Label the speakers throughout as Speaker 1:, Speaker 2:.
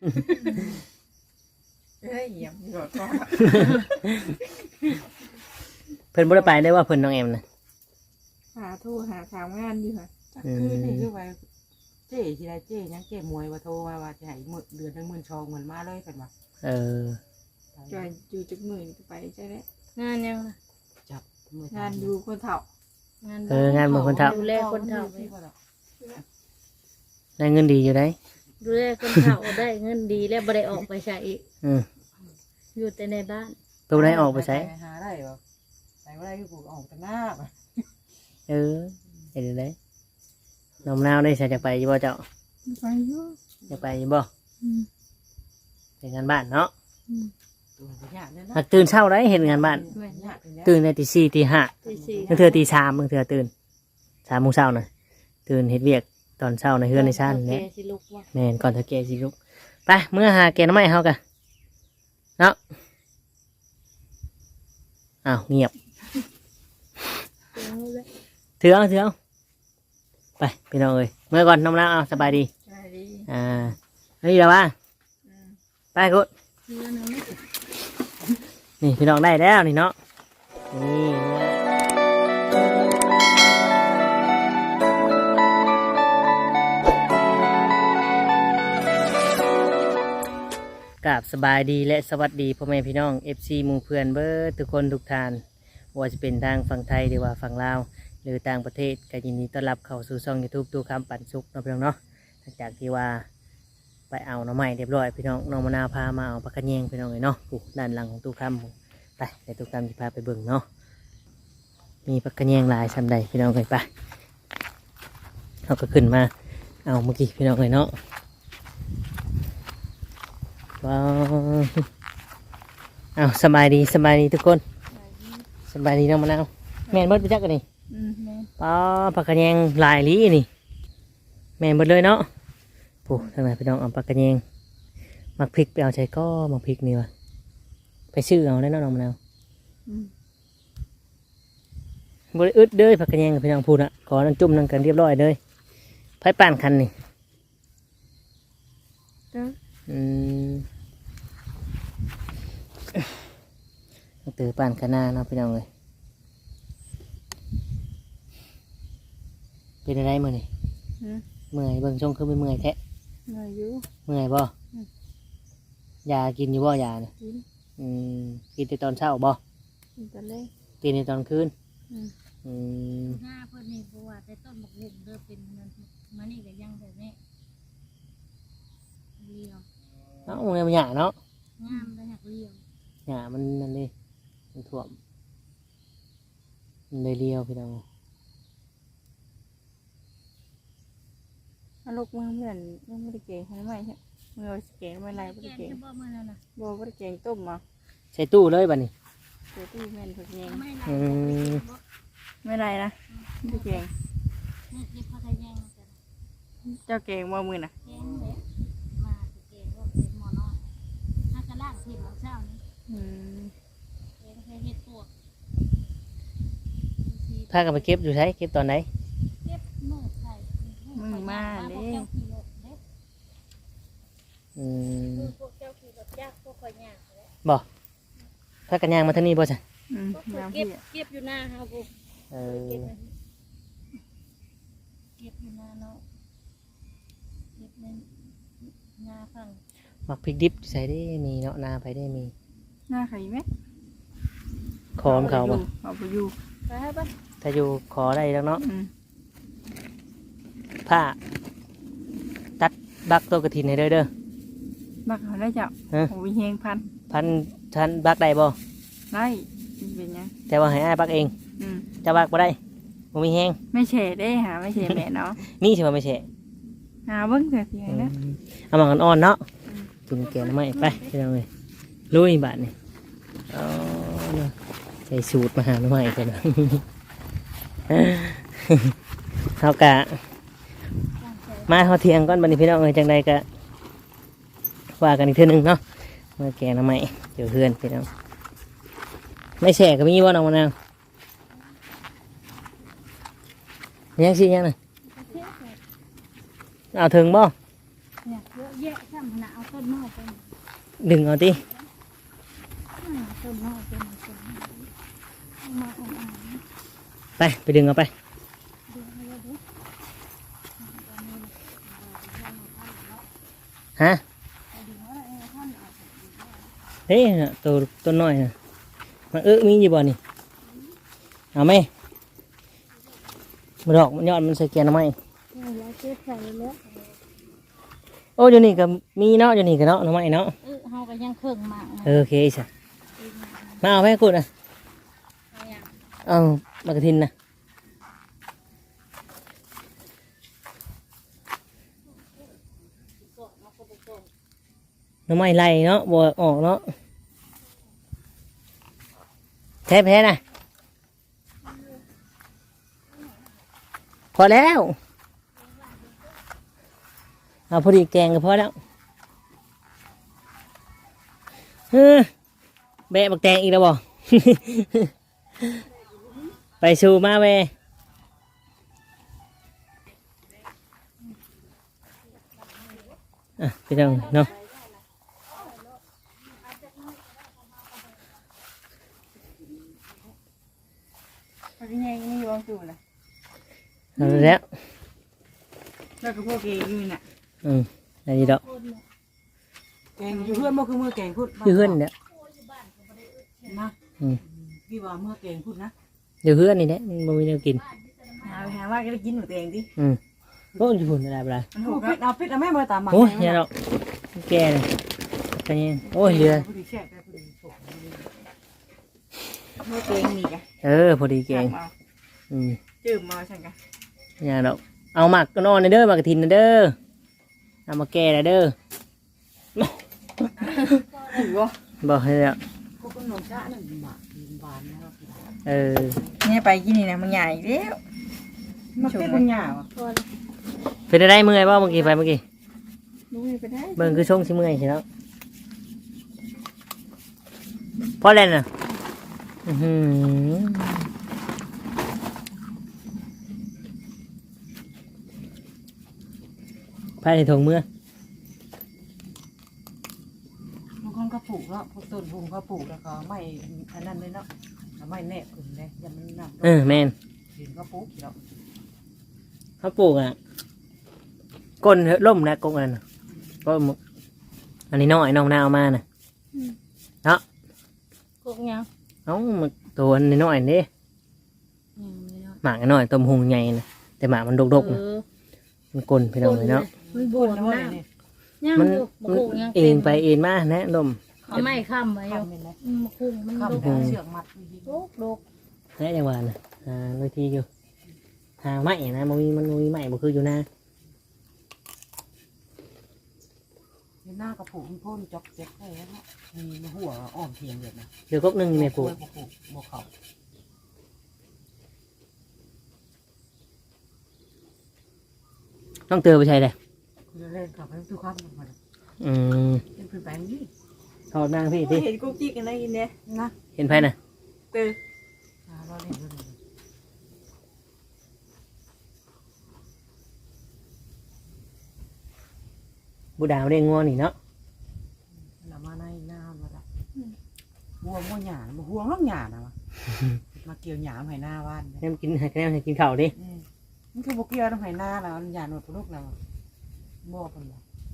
Speaker 1: เฮ้ยเหยียบหลอดก็
Speaker 2: เพิ่นบ่ได้ไปได้ว่าเพิ่นน้องแอมน่ะ
Speaker 1: หาทู่หาทางงานอยู่ค่ะ
Speaker 3: คือนี่คือว่าเจ๊ทีไรเจ๊ยังเจ๊มวยว่าโทรว่าจะให้เดือนนึง12,000เหมือนมาเลยเป็นว่า
Speaker 1: จอยอยู่จักมือจะไปใช่ไหม
Speaker 4: งานยังล่ะ
Speaker 3: จับมือง
Speaker 1: านอยู่คนเฒ่าง
Speaker 2: านเบิ่งคนเฒ่า
Speaker 4: ดูแลคนเฒ่า
Speaker 2: ได้เงินดีอยู่ได้
Speaker 4: ดูแลคนเฒ่าได้เงินดีแล้วบ่ได้ออกไปใช้อีก
Speaker 2: อือ
Speaker 4: อยู่แต่ในบ้าน
Speaker 2: ตัวได้ออกไปใช้
Speaker 3: หาได้บ่ใส่บ่ได้คือกูออกแต่หน้าบ่
Speaker 2: เฮ็ดได้น้องมะนาวได้ใส่จักไปอยู่บ่เจ้า
Speaker 1: ไปอยู่
Speaker 2: จักไปอยู่บ่ไปงานบ้านเนาะ
Speaker 3: ตัวบ่ยากเด้อ
Speaker 2: หา
Speaker 3: เนาะ
Speaker 2: กตื่นเช้าได้เฮ็ดงานบ้าน
Speaker 3: แม่นยากเป็นแล้ว
Speaker 2: ตื่นในตี 4 ตี 5
Speaker 4: ตีสี่
Speaker 2: บางเทื่อตี 3บางเทื่อตื่น3 โมงเช้าน่ะตื่นเฮ็ดเวียกตอนเช้าในเฮือนในชาน
Speaker 4: โอ
Speaker 2: นี่
Speaker 4: เคสิลูกว่า
Speaker 2: แม่นก่อนเฒ่าแก่สิลุกไปเมื่อหาแกงหน่อไม้เฮากันเนาะอ้าวเงียบถือเอาไปพี่น้องเอ้ยเมื่อก่อนน้องนาวเอาสบายดี
Speaker 1: ใช่ดี
Speaker 2: นี่แล้วว่าไปกุด
Speaker 4: เรือนึงไม่
Speaker 2: นี่พี่น้องได้แล้วนี่เนาะนี่กับสบายดีและสวัสดีพ่อแม่พี่น้อง FC หมู่เพื่อนเบิร์ทุกคนทุกท่านว่าจะเป็นทางฝั่งไทยหรือว่าฝั่งลาวหรือต่างประเทศก็ยินดีต้อนรับเข้าสู่ช่อง YouTube ตู้คำปั่นสุกเนาะพี่น้องเนาะหลังจากที่ว่าไปเอาหน่อไม้เรียบร้อยพี่น้องน้องมะนาวพามาเอาปลากระเยงพี่น้องเลยเนาะด้านหลังของตู้คำไปในตู้คำจะพาไปเบิ่งเนาะมีปลากระเยงหลายชั้นใดพี่น้องเลยไปเขาก็ขึ้นมาเอาเมื่อกี้พี่น้องเลยเนาะว้าวเอาสบายดีทุกคนสบายดีน้องมะนาวแม่นเบิดไปจักกันนี่
Speaker 1: แม่
Speaker 2: ป้าปลากระเยงหลายลีนี่แม่นเบิดเลยเนาะผู้ทางไหนพี่น้องเอาปลากระเยงมักพริกไปเอาใจก็มักพริกนี่วะไปซื้อเอาได้เนาะน้องมะนาวบริอึดเด้อปลากระเยงกับพี่น้องพูดอะขอนั่งจุ่มนั่งกันเรียบร้อยเลยไผ่ป่านคันนี่ตือป่านกันหน้าเนาะพี่น้องเลยเป็นอะไรมื่อนี่เมื่อยเบิ่งช่องคือไม่เมื่อยแท้
Speaker 1: เงยอยู่
Speaker 2: เมื่อยบ่ยากินอยู่บ่ยาเนี่ย
Speaker 1: กิน
Speaker 2: กินในตอนเช้าบ่
Speaker 1: กินตะเล่
Speaker 2: กินในตอนคืน
Speaker 4: หน้าเพิ่นนี่เพราะว่าแต่ต้นบักหุ่งเด้อเป็นมันมานี่ก็ยังแบบนี้เรียว
Speaker 2: เอ้าเนี่ยมันหยาเนาะ
Speaker 4: งามได้หักเรียว
Speaker 2: หยามันนั่นดิมันท่วมมันเลยเลี้ยวพี่น้อง
Speaker 1: ลูกมือเหมือนยังไม่ได้เก่งใช่ไหมใช่มือเก่งไม่ไรไม่
Speaker 4: แก
Speaker 1: ได้
Speaker 4: ง
Speaker 1: เก่ง
Speaker 4: จะบ่มื้อนั้นน่ะ
Speaker 1: บ่ไม่ได้เก่งต้มมา
Speaker 2: ใส่ตู้เลยบัดนี้
Speaker 1: เดี๋ยวที่แม่นผักเอง
Speaker 4: ไม่ไร
Speaker 1: ไม่ไรนะไม่ได้เก่ง
Speaker 4: นี่เก็บผักกระแยงกัน
Speaker 1: เจ้าเก่งบ่มือน่ะ
Speaker 4: แกงเลยมาแกงก็เป็นหม้อน้อยถ้ากระล่างสิมื้อเช้านี้แกงใส่เห็ดปวก
Speaker 2: พากันไปเก็บอยู่ใช้เก็บตอนไหน
Speaker 4: เก็บมือใส่พวกเจ้าขี่รถยากพวกข่อยยากเลย
Speaker 2: บ่พากันย่างมาทางนี้บ่จ้ะ
Speaker 1: น้ำ
Speaker 4: เก็
Speaker 1: พี่
Speaker 4: บเก็บอยู่หน้าเฮาพวก
Speaker 2: เออ
Speaker 4: เก็บอยู่หน้าเนาะเก็บในหน้าฝั่ง
Speaker 2: มักพริกดิบใส่ได้มีเนาะนาไปได้มี
Speaker 1: หน้าไข่ไหม
Speaker 2: ขอมเขาบ่
Speaker 1: เอาไปอยู่
Speaker 4: ไปให้ป่ะ
Speaker 2: ถ้าอยู่ขอได้แล้วเนาะผ้าตัดบักตัวกระถินให้เด้อ
Speaker 1: บักเขาได้เจ้าโอ้ยเฮงพัน
Speaker 2: พันทันบักได้บ่
Speaker 1: ได้เป็นยัง
Speaker 2: แต่ว่าให้อ้ายบักเองจะบักบ่ได้บ่มีแฮง
Speaker 1: ไม่เฉดได้หาไม่เฉดแม่เนาะ
Speaker 2: นี่สิว่าไม่ใช่
Speaker 1: หาเบิ้งเถอะเพียงนะ
Speaker 2: เอามาอ่อนๆเนาะกินแกงหน่อไม้ไปพี่น้องเอ้ยลุยบาดนี่เอาเนาะใส่สูตรมาหาหน่อไม้กันนะ เฮากะมาเฮาเที่ยงก่อนบัดนี้พี่น้องเอ้ยจังใดก็ว่ากันอีกเทื่อนึงเนาะมาแกงหน่อไม้เดี๋ยวเพื่อนพี่น้องไม่แฉก็มีบ่น้องมะนาวยังสิยังน่ะเอาถึงบ่
Speaker 4: เนี่ยเยอะแยะซ้ำขนาดเอาต้นนอกไป
Speaker 2: ดึงเอาติ
Speaker 4: ต้นนอกเป็นต้นเอามาอ่อน
Speaker 2: ไปดึงเอาไป
Speaker 4: ๆดูให้ดู
Speaker 2: ฮะเฮ้ยน่ะตัวต้นน้อยน่ะมันมีอยู่บ่นี่เอาไหมมันดอกมันยอดมันใส่แกนเอาไหม
Speaker 4: แล้วเก็บใส่แล้ว
Speaker 2: โอ้อยู่นี่ก็มีเนาะอยู่นี่ก็เนาะเอาไหมเนาะ
Speaker 4: เฮาก็ยังเครื่องหมาก
Speaker 2: โอเคจ้ะมาเอาไปให้กูนะ
Speaker 4: เอาอย่าง
Speaker 2: เอามากระทินนะน้ำไม้ไหลเนาะบัวออกเนาะแพ้นะพอแล้วเอาพอดีแกงก็พอแล้วแบะบักแตงอีกแล้วบ่ ไปสู่มาเวพี่น้องเนาะ
Speaker 1: มันเป็นยังนี่วางอยู่นะ
Speaker 2: เอาแล้ว
Speaker 1: แล้วก็พวกเกย์อยู่น่ะ
Speaker 2: อันนี้ดอก
Speaker 3: แกงอยู่เพื่อนบ่คือเมื่อแกงพูด
Speaker 2: อยู่เฮือนเนี่ย
Speaker 3: นะพี่ว่าเมื่อแกงพูดนะ
Speaker 2: อยู่เฮือนนี่แหละมันบ่มีแนวกิน
Speaker 1: หาว่าก็ได้กินหนูตัวเองดิ
Speaker 2: โอ้ยอยู่พุ่นอะไรบ่ได้
Speaker 1: มันถู
Speaker 3: เอา
Speaker 1: ก
Speaker 3: พิษเอาแม่มาตามมา
Speaker 2: โอ้ยอย่าดอกแก่เลยไปนี่โอ้ยเรือ
Speaker 3: ผู้ดีแช่ผู้ดีโฉก
Speaker 1: เมื่อตัวเองมีกัน
Speaker 2: พอดีแกง
Speaker 1: จืมมาฉันกัน
Speaker 2: อย่าดอกเอาหมักก็นอนเด้อหมักกระถินเด้อเอามาแก่เด้อ
Speaker 1: ถือว่า
Speaker 2: บอกให้แล้ว
Speaker 3: พวกขนมชาหนึ่งบาทบานนะครับ
Speaker 1: เนี่ยไปกินนี่นะมันใหญ่แล้ว
Speaker 3: มาเป็นปัญญาวะ
Speaker 2: เป็นได้เมื่อยบ่เมื่อกี้ไปเมื่อกี้
Speaker 1: ดูไปได้
Speaker 2: เบิ่งคือช่วงสิเมื่อยใช่แล้วพอแล้วน่ะภายในถุงมือบ
Speaker 3: างคนก็ปลูกแล้วพวกต้นพุงก็ปลูกแล้วก็ไม่อันนั้นเลยเนาะไม่แนบขึ้นเลยยังมันนั่น
Speaker 2: แม่น
Speaker 3: เห็นก็ปลูกแล้ว
Speaker 2: เขาปลูกก้นล่มนะก้นอันก็อันนี้น้อยน้องนาเอามาน่ะเนาะ
Speaker 4: กกยัง
Speaker 2: มันตัวนี้น้อยนี่หมากน้อยต้มหุงใหญ่นะแต่หมากมันดกๆนะมันก้นพี่น้องเลยเนาะ
Speaker 4: มันบ
Speaker 3: ปลู
Speaker 4: ว
Speaker 3: ก
Speaker 4: ม
Speaker 3: แล้ว
Speaker 4: นะ
Speaker 3: นี่
Speaker 4: ยัง
Speaker 2: มัน
Speaker 4: บกยัง
Speaker 2: เอ็นไปเอ็นมานะลม
Speaker 4: เอาไม้ค้ำไว้อยู่
Speaker 3: ทำเป็นไร
Speaker 4: มะคุงมัน
Speaker 3: ข้าม
Speaker 4: ดก
Speaker 3: เชือกมัด
Speaker 4: ดก
Speaker 2: แค่จังหวะนะบางทีอยู่หาไม้นะมันมีไม้บ่คืออยู่นะ
Speaker 3: หน้ากระปุกพ่นจอกเจ็บเลยนะมีหัวอ่อมเทียงแบบนะ
Speaker 2: เดี๋ยวก๊กนึงแม่ปลูก
Speaker 3: บกเขา
Speaker 2: ต้องเตือนไปใช่เลย
Speaker 3: คือเล่นกับให้ทุกข้ามมัน เป็นผืนแปลงนี่
Speaker 2: ถอดนางพี่ดิ
Speaker 1: เห็นกุ๊กจิ๊กกันได้ยินเนี่ย
Speaker 3: นะ
Speaker 2: เห็นไผน่ะ
Speaker 1: ตื่น
Speaker 3: เราเล่นด้วย
Speaker 2: บูดาวได้งัวนี่เนาะ
Speaker 3: เรามาในหน้ามาละบัวบัวหยาบัวห่วงล่องหยานะมาเกี่ยวหยาให้หน้าบ้าน
Speaker 2: ให้มันกินให้ให้กินข้าวดิ
Speaker 3: มันคือบุกเกี่ยวต้องให้หน้าแล้วหยาหนวดลูกเราบัวคนละ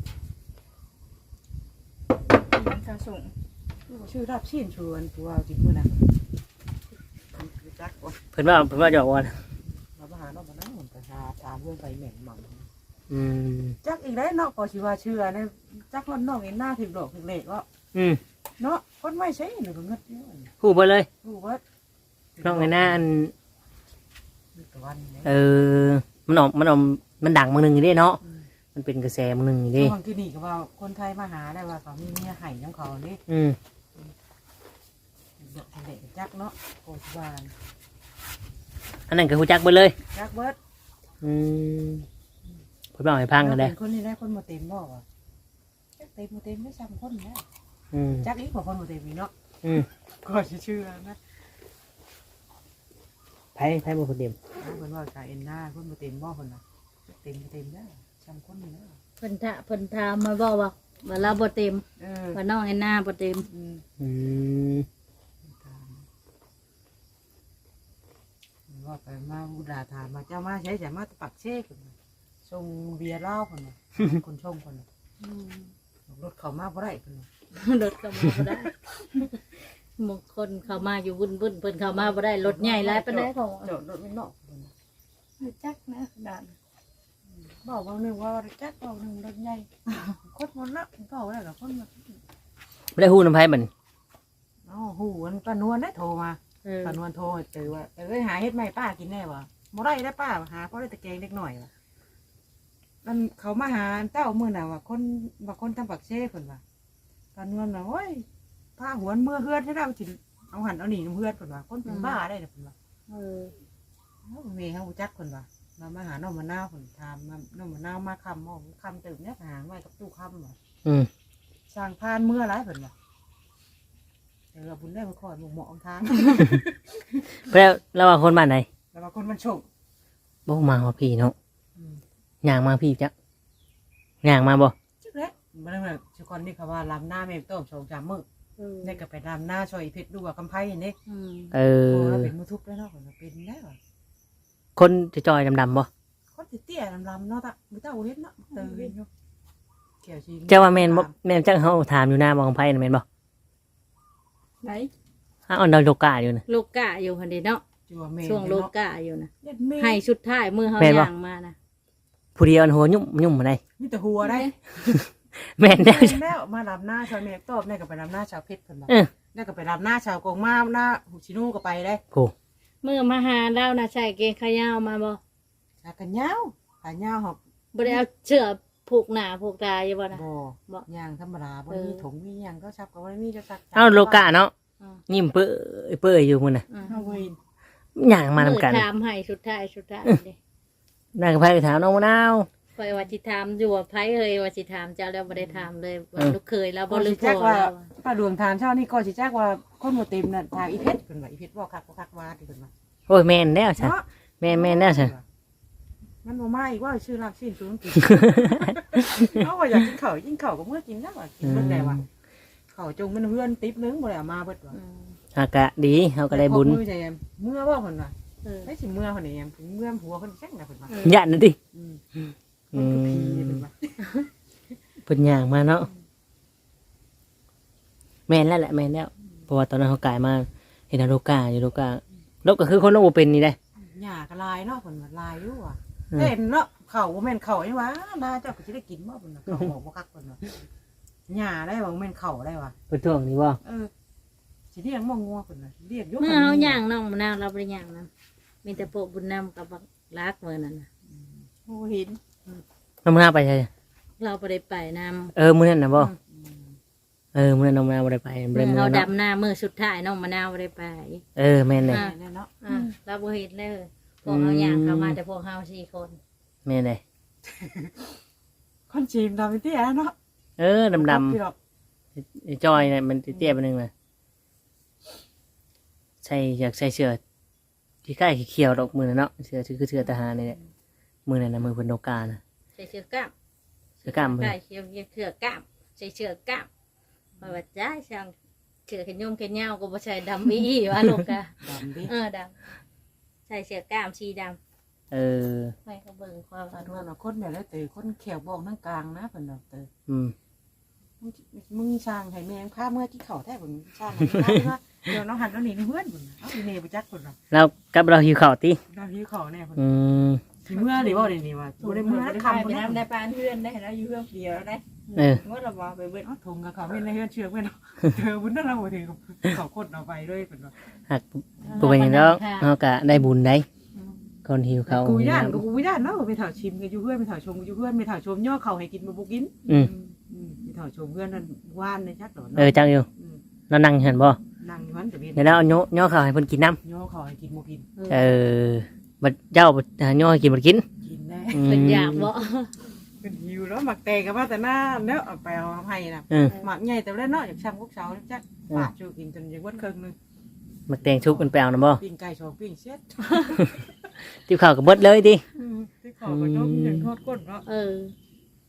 Speaker 1: ข้าวส่ง
Speaker 3: ชื่อรับชื่นชวนตัวจริงด้วยนะจักว่า
Speaker 2: เพิ่นว่าหยอกว่า
Speaker 3: เราไปหาเราบ้านเหมือนประชาตามเรื่องไปเหม็นหม่ำ จักอีกได้เนาะก็ชิว่าเชื่อเนี่ยจักรถนอกเห็นหน้าถึงดอกถึงเหล็กก็เนาะคนไม่ใช่หนูก็เงิดเยอะ
Speaker 2: พูดไปเลย
Speaker 3: ดูว่า
Speaker 2: น้องไอ้หน้าอัน
Speaker 3: ตะวัน
Speaker 2: มันดังบางหนึ่งอยู่ดิเนาะมันเป็นกระแสบางหนึ่งอยู่ดิ
Speaker 3: บางทีนี่ก็ว่าคนไทยมาหาได้ว่าเขามีเมียไห่น้ำเขานี่ดอกถึงเหล็กจักเนาะโคชิวาน
Speaker 2: อันนั้นก็หูจักไปเลย
Speaker 3: จักเบิร์ด
Speaker 2: เพิ่นบอกให้พังกันเลย
Speaker 3: คนนี้ได้คนมาเต็มบ่วะเต็มมาเต็มไม่ซ้ำคนนะจักอีกกว่าคนมาเต็มอีกเนาะก็เชื่อนะ
Speaker 2: ไผบ่คนเดียว
Speaker 3: คนว่าใจเอ็นหน้าคนมาเต็มบ่คนน่ะเต็มได้ซ้ำคนนี่นะ
Speaker 4: เพิ่นถามมาบอกว่าเราบ่เต็ม
Speaker 3: Ừ.
Speaker 4: ว่าน้องแอนนาบ่เต็ม
Speaker 3: Ừ.
Speaker 2: อืม
Speaker 3: ว่าไปมาบูดาถามมาเจ้ามาใช้จะมาตะปักเช่คนชงเบียร์เหล้าคนน่ะ คนชงคนน่ะรถเขามาบ่ได้คนน่ะ
Speaker 4: รถเข้ามาบ่ได้บางคนเข้ามาอยู่วุ่นเพิ่นเข้ามาบ่ได้รถใหญ่หลายปานใดของ
Speaker 3: จอดรถไม่นอกคนน่ะ
Speaker 1: จักนะขนาด
Speaker 3: บอกว่าหนึ่งว่าจักบอกหนึ่งรถใหญ่คนมันละก็ได้หรอคนมัน
Speaker 2: บ่ได้ฮู้นำไผบัดนี้
Speaker 3: อ๋อหูมันป้านวลได้โทรมาป้านวลโทรเจอว่าหาเฮ็ดใหม่ป้ากินแน่วะบ่ได้ได้ป้าหาเพราะได้ตะแกงเล็กหน่อยวะมันเขามาหาเต้ามื้อน่ะว่าคนทำปักเช่คนว่าป้านวลว่าโอ้ยพาหวนเมื่อเฮือนให้เราจิเอาหันเอาหนีน้ำเฮือนคนว่าคนเป็นบ้าได้เนี่ยคนว่า เมย์เขาจักคนว่าเรามาหาน้องมะนาวคนทำน้องมะนาวมาคำมองคำตื่นเนี่ยหางไว้กับตู้คำว่า
Speaker 2: อืม
Speaker 3: สร้างพานเมื่อไรเพิ่นว่าบุญได้มาคอยหมกหมอกทาง
Speaker 2: เพิ่นแล้วว่าคนบ้านไหน
Speaker 3: แล้วบางคนมันโชค
Speaker 2: บ่มาว่าพี่เนาะย่างมาพี่จักย่างมาบ่
Speaker 3: จักเล็กมันเลยชุกคนนี่เขาว่าลำหน้าแม่ต้มชงจำมือนี่ก็ไปลำหน้าช่วยเพชรดูว่าคำไพ่นี่
Speaker 2: เออ
Speaker 3: โอ้เราเป็นมือทุบแล้วเนาะเป็นแล้ว
Speaker 2: คนจะจอยดำๆบ่
Speaker 3: คนเตี้ยลำเนาะตะมือเต้าเห็นเนาะตื่นอยู่เกี่ยวชี
Speaker 2: เจ้าว่าแม่นบ่แม่นจังเฮาถามอยู่หน้าบ่ของไผน่ะแม่นบ่
Speaker 1: ไหน
Speaker 2: อ้าวเราโลกาอยู่น่ะ
Speaker 4: โลกะอยู่หั่นเด้เนาะ
Speaker 3: จัวเมย์
Speaker 4: ช่วงโลกะอยู่นะ
Speaker 3: ให้
Speaker 4: ให้ชุดท้ายมือเฮา
Speaker 2: แม่นบ่
Speaker 4: ย่างมานะ
Speaker 2: ผู้เดียวอันหัวยุ่มมาได้
Speaker 3: มีแต่หัวได้
Speaker 2: แม่นแน่
Speaker 3: แล้วมาลำหน้าชาวเมฆตอบนี่ก็ไปลำหน้าชาวเพชรคนละ
Speaker 2: เออ
Speaker 3: นี่ก็ไปลำหน้าชาวกงมาหน้าหูชิโน่ก็ไปได้
Speaker 2: โอ้
Speaker 4: มือมาหาเรานะใส่เกงขายาวมาบ่
Speaker 3: ชากันยาวขาเงาวหอบ
Speaker 4: บ่ได้เอาเชือกผูกหน้าผูกตาอยู่บ่นะ
Speaker 3: บ่
Speaker 4: บ่
Speaker 3: ยางธรรมดาบ่มีถุงมียางก็ชับก็บ่ได้มีจะชัก
Speaker 2: เอาโลกาเนาะ
Speaker 4: อืม
Speaker 2: ยิ้มเปื้อยอยู่มื้อน่ะ
Speaker 4: อืม
Speaker 3: เอาไว้
Speaker 2: ย่างมานำกัน
Speaker 4: มือถามให้ชุดท้ายเด้
Speaker 2: นั่งกับไผไปถามน้องมะนาว
Speaker 4: ข่อยว่าสิถามอยู่ว่าไผเอ่ยว่าสิถามเจ้าแล้วบ่ได้ถามเลยว่าลูกเคยแล้วบ่
Speaker 3: ก็
Speaker 4: ลื
Speaker 3: สิ
Speaker 4: ม
Speaker 3: แจ้
Speaker 4: พ่
Speaker 3: ง
Speaker 4: อ
Speaker 3: ว่า
Speaker 4: แล้ว
Speaker 3: ป้าดวงทานเช้านี่ก็สิแจ้งว่าคนบ่เต็มน่ะทางอีเพชรเพิ่นว่าอีเพชรบ่คักว่าที่เพิ่นว่า
Speaker 2: โอ้ยแม่นแล้วซะ
Speaker 3: เนาะ
Speaker 2: แม่นแล้วซะ
Speaker 3: มันบ่มาอีกว่าชื่อรักสิ้นสูงกินเอาว่าอยากกินข้าวกินข้าวก็เมื่อกินแล้วว่ากินเบิ่งได้ว่าข้าวจงมันเฮือนติ๊บนึงบ่ได้เอามาเบิดว่า
Speaker 4: อืม
Speaker 2: อากะดีเฮาก็ได้บุญ
Speaker 3: มือใจเมื่อว่าเพิ่นว่า
Speaker 4: เออ
Speaker 3: ไม่สิเมื่อคนนี้ยังเมื่อหัวคนแจ้งนะเพิ่นว่า
Speaker 2: ย่านนั่นติ
Speaker 3: มันคือผีเพิ่นว่า
Speaker 2: เพิ่นย่างมาเนาะแม่นแล้วแหละแม่นแล้วเพราะว่าตอนนั้นเขากลายมาเห็นโลกาอยู่โลกาโลกก็คือคนโลกบ่เป็นนี่ได้
Speaker 3: หญ้าก็ลายเนาะเพิ่นว่าลายอยู่ว่ะ
Speaker 2: อืม
Speaker 3: เห็นเนาะเขาบ่แม่นเขาไอ้หว่านาเจ้าก็สิได้กินบ่เพิ่นว่าเขาบอกบ่คักเพิ่นว่าหญ้าได้บ่แม่นเขาได้ว่ะ
Speaker 2: เพิ่นท่วงนี่บ่
Speaker 3: สิเรียกบ่งัวเพิ่นน่ะเรียกอยู่
Speaker 4: เมื่อเฮาย่างน้องมะนาวเราบ่ได้ย่างนํมีแต่พวกบุญนำกับบักลักมื้อนั้นน่ะ
Speaker 1: โอ้หิน
Speaker 2: น้องมะนาวไปใช่
Speaker 4: เราบ่ได้ไปนำ
Speaker 2: มื้อนั้นน่ะบ่มื้อนั้นน้องมะนาวบ่ได้ไปบ่
Speaker 4: เมื่
Speaker 2: ได้
Speaker 4: อ
Speaker 2: มื้อ
Speaker 4: เรา
Speaker 2: เนาะ
Speaker 4: ดำหน้ามือสุดท้ายน้องมะนาวบ่ได้ไป
Speaker 2: แม่นเลย
Speaker 3: แน่เนาะ
Speaker 4: เราบ่เห็นเลยพวกเฮาย่างเข้ามาแต่พวกเฮา4คน
Speaker 2: แม่นเลย
Speaker 3: คนจีนดำเตี้ยเนาะ
Speaker 2: ดำ
Speaker 3: พี่ดอก
Speaker 2: ๆจอยน่ะมันเตี้ยๆไปนึงน่ะอยากใส่เสื้อที่ใกล้เขียวๆดอกมือน่ะเนาะเสื้อคือเสื้อทหารนี่แหละมือนั่นน่ะมือเพิ่นโลกาน่ะ
Speaker 4: ใส่เชือกกล้าม
Speaker 2: เสื้อกล้ามเพิ่น
Speaker 4: ใส่เชือกกล้ามใส่เชือกกล้ามว่าว่าจ้าช่างเชือกขยมขยาวก็บ่ใช่ดำอีว่าลูกกะ
Speaker 3: ดำดิ
Speaker 4: ดำใส่เชือกกล้ามสีดำ
Speaker 2: เออ
Speaker 4: ไม่ก็เบิ่งความ
Speaker 3: ตาดวนเนาะคนแบบนั้นเตอคนแขวบอกนั่งกลางนะเพิ่นดอกเตอ
Speaker 2: อืม
Speaker 3: มึงช่างให้แมงพาเมื่อที่เขาแท้ผมช่างให้ว่าเดี๋ยวน้องหันน้องหนีเพื่อนผมเอาอีเมย์ไปจักคนละ
Speaker 2: แล้วกับเราหิวข้าวติ
Speaker 3: น้ำพี่เขาแน่คน
Speaker 2: อืม
Speaker 3: เมื่อหรือว่าเดี๋ยวนี้ว่าตัวได้เมื่อ
Speaker 1: ได้
Speaker 3: คำคน
Speaker 1: ไป
Speaker 3: นั้น
Speaker 1: น้ำได้ปานเพื่อนได้แล้วอยู่เพื่อนเดียวได้
Speaker 2: เออ
Speaker 1: เมื่อเราบอกไปเบิด
Speaker 3: ทงกับเขาเป็นในเฮือนเชือกเป็นเธอบุญนั่นเราถือเขาคนเอาไปด้วยเป็นว่า
Speaker 2: หักปูเป็นอย่างแล้วเราก็ได้บุญได้คนหิวข้าว
Speaker 3: กูย่านกูย่านเนาะไปถ่ายชิมกันอยู่เพื่อนไปถ่ายชมกันอยู่เพื่อนไปถ่ายชมย่อเขาให้กินมาบุกิน
Speaker 2: อืม
Speaker 3: ไปถ่ายชมเพื่อนนั่นว่านในชักหรอ
Speaker 2: จังอยู่เรานั่งเห็นบ่
Speaker 3: นั่งอยู่มันจะเป็น
Speaker 2: เดี๋ยวเราเอาย่อข้าวให้เพิ่นกินน้
Speaker 3: ย่อเขาให้กินมากิน
Speaker 2: ำบัดเจ้าย่อให้กินบ่กิน
Speaker 3: กินแน่
Speaker 4: เป็นอยากบ่
Speaker 3: เป็นหิวแล้วหมักแตงกับว่าแต่หน้าเนาะเอาไปเอาให้นะ
Speaker 2: เออ
Speaker 3: หมักใหญ่แต่แล้วเนาะอยากช่างพวกเสาจักปาดชูกินจนยังวัดครึ่งนึง
Speaker 2: มักแตงชุบเป็นแปลวนะบ่
Speaker 3: ปิ้งไก่ชองปิ้งเช็ด
Speaker 2: ติวข้าวก็เบิดเลยติ
Speaker 3: ที่ขอก็ต้องยังทอดก้นเนาะ
Speaker 4: เออ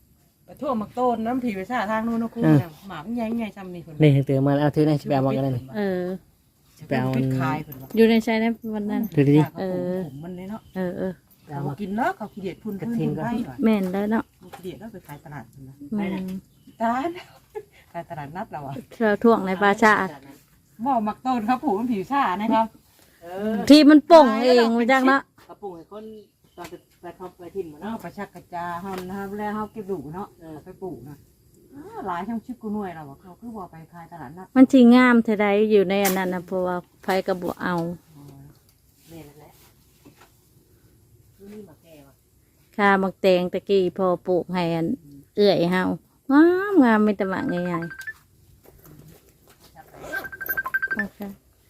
Speaker 3: ไปทั่วมักโตนน้ำผีไปซ่าทางนู้นนะคุณหมามันใหญ่ใหญ่ซ้ำนี่เพิ่น
Speaker 2: นี่เตือนมาเอาถือหน่อยสิไปเอามากันเลย
Speaker 1: เออ
Speaker 3: ไปเอาพิษคายเพิ่นว่า
Speaker 1: อยู่ในใจนะวันนั้น
Speaker 2: ถือดิ
Speaker 3: ผมมันเลยเนาะ
Speaker 1: เออ
Speaker 3: เขากินเนาะเขาขี้เดียดพุ่นพุ่นพุ่นไปหน่อย
Speaker 1: แม่นแล้วเนาะ
Speaker 3: ขี้เดียดแล้วไปขายตลาดเพิ่นนะ
Speaker 1: อืม
Speaker 3: ขายตลาดนัดเราอ่ะ
Speaker 1: เราท่วงในปลาชา
Speaker 3: หม้อมักโตนครับผูกมันผีซ่านะครับ
Speaker 1: ที่มันป่งเองมาจากเนาะ
Speaker 2: กระปุกให้คนตอนไปทำไปทิ้งมา
Speaker 3: เนาะ
Speaker 2: เนาะ
Speaker 3: ประชักกระจาเฮานะครับแล้วเฮาเก็บดูเนาะไปปลูกนะหลายช่างชิบกูหน่วยเราเขาคือว่าไปขายตลาดนัด
Speaker 1: มันสิงามเท่าใดอยู่ในอันนั้นนะเพราะว่าไฟกระบอกเอา
Speaker 2: แม่นั่นแหละนี่มาแก้ว่ะ
Speaker 1: ค่ามักแตงตะกี้พอปลูกให้อันเอื้อยเฮางามงามไม่ตะหมักใหญ่ๆโอเค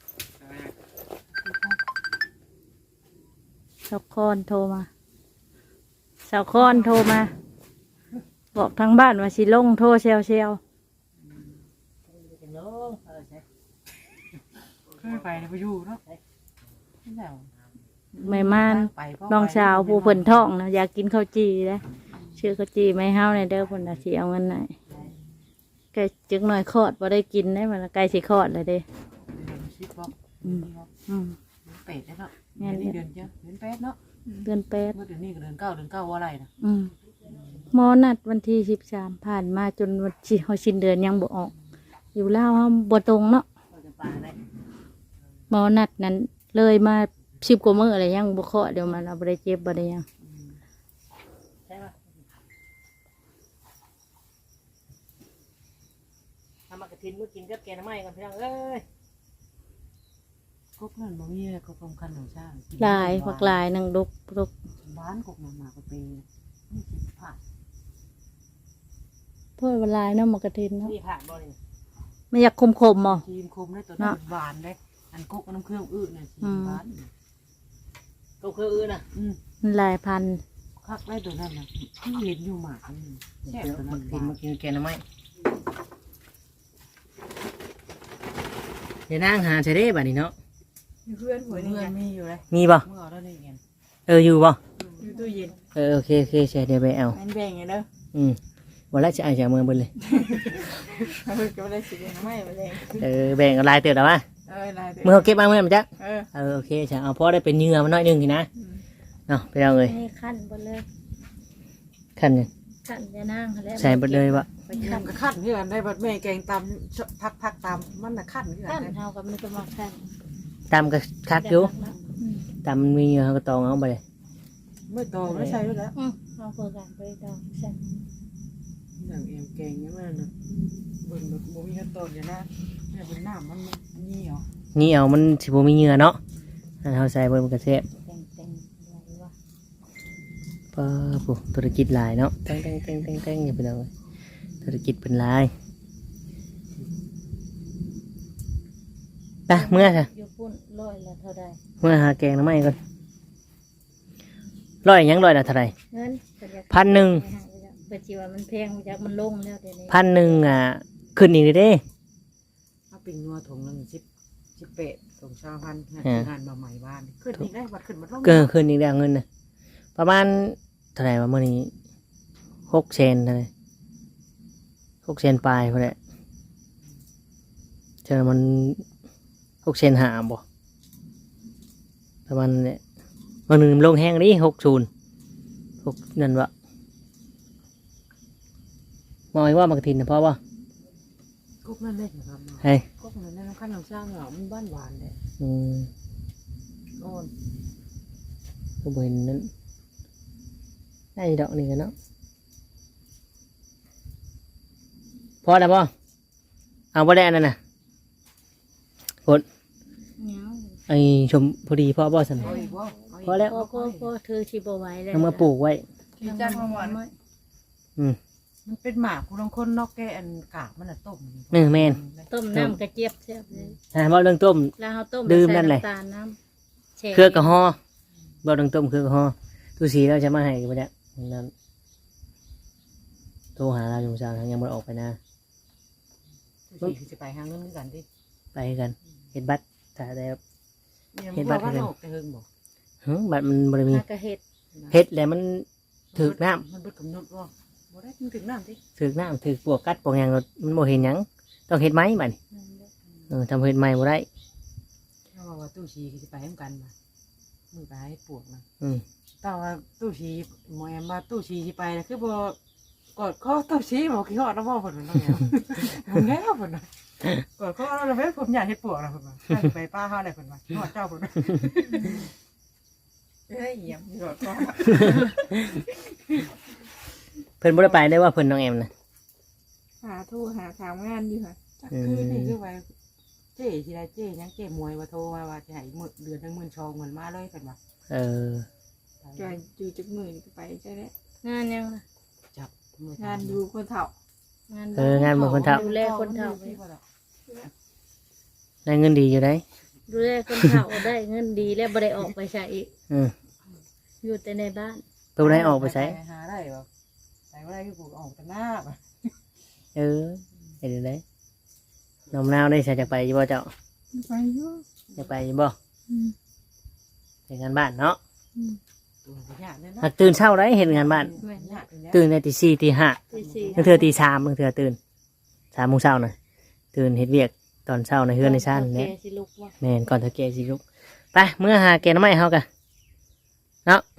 Speaker 1: สาวคอนโทรมาสาวคอนโทรมา บอกทางบ้านว่าสิลงโทรเซล
Speaker 2: จังลงใช่
Speaker 3: เคยไปไปอยู่เนาะนี่แหละ
Speaker 1: ไม่มานน้องสาวผู้เพิ่นท้องนะอยากกินข้าวจีนะชื่อข้าวจีไม่เฮาในเด้อเพิ่นน่ะสิเอาเงินไหนใกล้จึงหน่อยคลอดบ่ได้กินได้มันใกล้สิคลอดเลยเด้
Speaker 3: ชิบบอก
Speaker 1: อืม
Speaker 3: เป็ดเนาะเดือนเจ้าเดือนเป็ดเนาะ
Speaker 1: เดือนแปด
Speaker 3: เมื่อเดือนนี้ก็เดือนเก้าว่าอะไรนะ
Speaker 1: หมอนัดวันที่13ผ่านมาจนวันที่เขาสิ้นเดือนยังบ่ออก อยู่ลาวเฮาบ่ตรงเนาะ
Speaker 2: เราจะปลาได้
Speaker 1: หมอนัดนั้นเลยมา10กว่ามื้ออะไรยังบ่เคาะเดี๋ยวมันเอาบ่ได้เจ็บบ่ได้หยัง
Speaker 2: ใช่ป่ะทำมากระทินเมื่อกินกับแกงน้ำไม้กันพี่น้องเอ้ย
Speaker 3: กุ๊กนั่นบ่มีกุ๊กลมคันของช่าง
Speaker 1: ลายฝักลายนังดก
Speaker 3: บ้านกุ๊กนั่นมาก็เป็นนี่สิผ่า
Speaker 1: เพิ่นว่าลายเนาะหมอกระทินเนาะ
Speaker 2: นี่ผ่านบ่นี่
Speaker 1: ไม่อยากคมๆบ่
Speaker 3: ทีมคมได้ตัวนั้นหวานได้อันกุ๊กน้ำเครื่องอื้อเนี่ยทีมบ้าน
Speaker 2: ก็คืออื่นนะ
Speaker 1: มันลายพันธุ์
Speaker 3: คักได้ตัวนั้นนะที่เห็นอยู่หมากนี่แซ่บตัว
Speaker 2: มา
Speaker 3: นั้น
Speaker 2: กินมากินแกงน้ำไม้เดี๋ยวนั่งหาใช้ได้บ่นี่เนาะ
Speaker 3: เพื่อนหัวนี่มีอยู่เลย
Speaker 2: มีบ่
Speaker 3: เมื่อแล้วนี่ไง
Speaker 2: อยู่บ่
Speaker 3: อยู่ตู้เย็น
Speaker 2: โอเคใช่เดี๋ยวไปเอา
Speaker 3: มันแบ่งไงเด้อ
Speaker 2: วันแรกจะอ่านจากเมืองบนเลย
Speaker 3: ก็ได้สิไม่มาแรง
Speaker 2: แบ่งกันลายเตือนแล้ววะ
Speaker 3: ได้
Speaker 2: เมื่อเขาเก็บมาเมื่อมันจ๊ะ
Speaker 3: เออ
Speaker 2: โอเคใช่เอาพอได้เป็นเหงื่อมันน้อยหนึงทีนะเนาะไปเอาเลย
Speaker 1: นี่ขั้นบ่เลย
Speaker 2: ขั้นยัง
Speaker 1: ขั้นจะนั่งแล้ว
Speaker 2: ใส่ไปเลยวะ
Speaker 3: ไปขั้นก็ขั้นเพื่อนได้บัดแม่แกงตำพักตำมันน่ะขั้นเพื่อน
Speaker 1: ขั้น
Speaker 3: ได้
Speaker 1: เท่ากับมันก็มาขั้น
Speaker 2: ตามก็คักอยู่ตามมันมีเหงื่อเขาก็ตองเอาไปเลย
Speaker 3: ไม่โตไม่ใช่ด้วยแล้ว
Speaker 1: เอาเพื่อการไปดองใช่
Speaker 3: อย่างเอ็มแกงนี่มันเบิ่งแบบบ่มีขั้นตอนอย่างนะเนี่ยเป็นน้ำมันนี่เหรอ
Speaker 2: นี่เอามันสิบ่มีเหงื่อเนาะอันเขาใส่เบิ่งมันก็แซ่บ
Speaker 1: แต่งอะไรวะ
Speaker 2: ป้าปุ๊ธุรกิจหลายเนาะแต่งอย่าไปเลยธุรกิจเป็นหลายไปเมื่อค่ะ
Speaker 1: อยู่ปุ่นร้อยละเท่าใด
Speaker 2: เมื่อหาแกงน้ำไม้ก่อนร้อยหยังร้อยละเท่าไหร่
Speaker 1: เงิน
Speaker 2: 1,000
Speaker 1: เปิดจีว่ามันแพงจากมันลงแล้วเดี๋ยวนี้
Speaker 2: 1,000ขึ้นอีกเลยเด้
Speaker 3: ถ้าเป็นงัวถุงนึง18ถุง20,000งานมาใหม่บ้านขึ้นนี่ได้บัดขึ้นบัดลง
Speaker 2: เกินขึ้นอีกแล้วเงินนะประมาณเท่าไหร่วะมื่อนี้6 เซนเลย6 เซนปลายพอแหละเจอมัน6 เซนหาบ่ประมาณนั้นแหละวันหนึ่งลงแห้งนี่60 นั่นวะมองว่ามักทินนะเพราะว่า
Speaker 3: กุ๊กนั่นเล็กนะครับ
Speaker 2: เฮ้ย
Speaker 3: กุ๊กนั่นน้ำขั้นน้ำช่างเหรอมันบ้านหวานเลย
Speaker 2: อืม
Speaker 3: อ่อน
Speaker 2: ก็บ่เห็นนั้นได้ดอกนี่กันเนาะพอแล้วป่ะเอาบ่ได้อันนั้นน่ะ
Speaker 1: เงา
Speaker 2: ไอ้ชมพอดีพ่อบ่สัน
Speaker 3: เอาอีกบ่
Speaker 2: พอแล้ว
Speaker 1: ก็เธอชีบไหว้แล้ว
Speaker 2: เอามาปลูกไว้
Speaker 3: ที่จ้างมาหวานมันเป็นหมากคุณลองคนนอกแกอันกากมันน่ะต้ม
Speaker 2: แม่น
Speaker 1: ต้มน้ำกระเจี๊ยบแซ่บเลย
Speaker 2: บ่เรื่องต้ม
Speaker 1: แล้วเขาต้ม
Speaker 2: ดื่มนั่นแหละ
Speaker 1: ใส่ำตาลน้ำแช่
Speaker 2: เครือกระหอบ่เรื่องต้มเครือกระหอตู้สีเราจะมาให้กันบ่ได้นั่นโทรหาเราอยู่เช้ายังบ่ได้ออกไปนะ
Speaker 3: ที่จะไปหาเงินกันดิ
Speaker 2: ไปกันเฮ็ดบัตรถ้าได้
Speaker 3: เห็นบัตรกันแต่เฮิงบอก
Speaker 2: บัตรมันบ่ได้มี
Speaker 1: มากระเห็ด
Speaker 2: เฮ็ดแล้วมันถึกน้ำ
Speaker 3: มันเบิดกำหนดว่าบ่ได้ถึงน้ำติ
Speaker 2: ถือน้ำถือปวกกัดปวกหยังมันบ่เห็นหยังต้องเฮ็ดไหมบัดนี้ทำเฮ็ดไหมบ่ได้
Speaker 3: เขาบอกว่าตู้ชีสิไปให้กันมามือไปให้ปวกนะ
Speaker 2: อืม
Speaker 3: แต่ว่าตู้ชีหมอแอมมาตู้ชีสิไปนะคือบ่กอดข้อตู้ชีบอกขี้ฮอดแล้วบ่เพิ่นน้องแอมผมแล้วเพิ่นน่ะกอดข้อแล้วแม่ผมอยากเฮ็ดปวกนะเพิ่นว่าถ้าสิไปป้าเฮาได้เพิ่นว่าฮอดเจ้าเพิ่นว่าเอ้ยเหี้ยกอดข้อ
Speaker 2: เพิ่นบ่ได้ไปได้ว่าเพิ่นน้องแอมนะ
Speaker 5: หาโทรหาถามงานอยู่ค่ะ
Speaker 3: จักคือนี่คือว่าเจ๊สิได้เจ๊ยังเจ๊มวยว่าโทรมาว่าสิให้มื้อเดือนนึง12,000เงินมาเลยเพิ่นว่า
Speaker 2: เออ
Speaker 5: จอยอยู่จากมือนี่ก็ไปใช่ไหม
Speaker 1: งานยังล่ะ
Speaker 3: จับมือง
Speaker 5: านอยู่คนเฒ่าง
Speaker 2: านเมืองคนเฒ่า
Speaker 1: ดูแลคนเฒ่า
Speaker 2: ได้เงินดีอยู่ได้
Speaker 1: ดูแลคนเฒ่าได้เงินดีแล้วบ่ได้ออกไปใช้อีก
Speaker 2: อืม
Speaker 1: อยู่แต่ในบ้าน
Speaker 2: เพิ่นบ่ได้ออกไปใช้
Speaker 3: หาได้บ่ใส่บ่ได้คือกูออกแต่หน้าบ่
Speaker 2: เออเฮ็ดได้น้องมะนาวได้ใส่จักไปอยู่บ่เจ้า
Speaker 5: ไปอยู่
Speaker 2: จักไปอยู่บ่เฮ็ดงานบ้านเนาะ
Speaker 3: ตัวสิยากเด้อเนาะ
Speaker 2: หากตื่นเช้าได้เฮ็ดงานบ้าน
Speaker 1: แม่น
Speaker 3: ยากอยู่แล้ว
Speaker 2: ตื่นได้ตี4ตี5
Speaker 1: ตีสี่
Speaker 2: บางเทื่อตี3บางเทื่อตื่น3 โมงเช้าน่ะตื่นเฮ็ดเวียกตอนเช้าในเฮือนในชาน
Speaker 1: โอเค
Speaker 2: เนี่ย
Speaker 1: สิลูกว่า
Speaker 2: แม่นก่อนเฒ่าแก่สิลุกไปเมื่อหาแกงหน่อไม้เฮากะเนาะ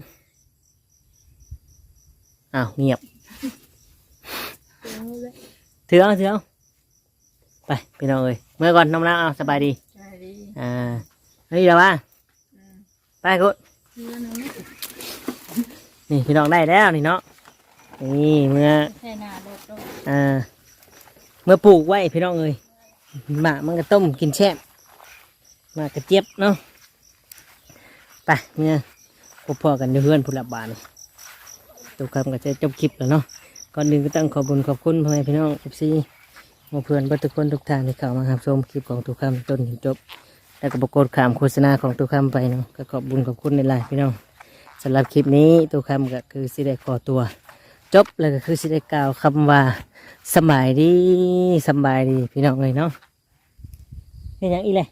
Speaker 2: อ้าวเงียบ
Speaker 1: เอาเลย
Speaker 2: ถือเอาไปพี่น้องเอ้ยเมื่อก่อนน้องแล้วเอาสบายดี
Speaker 5: ใช่ดี
Speaker 2: นี่แล้วว่าไปกู
Speaker 1: เงินเอาไหม
Speaker 2: นี่พี่น้องได้แล้วนี่เนาะนี่เมื่อ
Speaker 1: ใช่หน้ารถด้วย
Speaker 2: เมื่อปลูกไว้พี่น้องเอ้ยหมากมันก็ต้มกินแช่บหมากกระเจี๊ยบเนาะไปเมื่อพบพ่อกันอยู่เพื่อนผู้รับบานตัวคำก็จะจบคลิปแล้วเนาะก่อนอื่นก็ต้องขอบคุญขอบคุณพ่อแม่พี่น้องFC หมู่เพื่อนเพื่อนทุกคนทุกท่านที่เข้ามารับชมคลิปของตัวคำต้นถึงจบแล้วก็ประกฏข่าวโฆษณาของตัวคำไปเนาะก็ขอบคุญขอบคุณในไลน์พี่น้องสำหรับคลิปนี้ตัวคำก็คือสิได้ขอตัวจบแล้วก็คือสิได้กล่าวคำว่าสำบายดีพี่น้องเลยเนาะเป็นอย่างอีเลย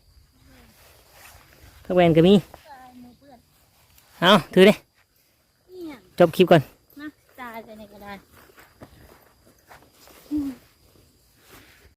Speaker 2: พักแวนก็มีเอาถือเลยจบคลิปก่อน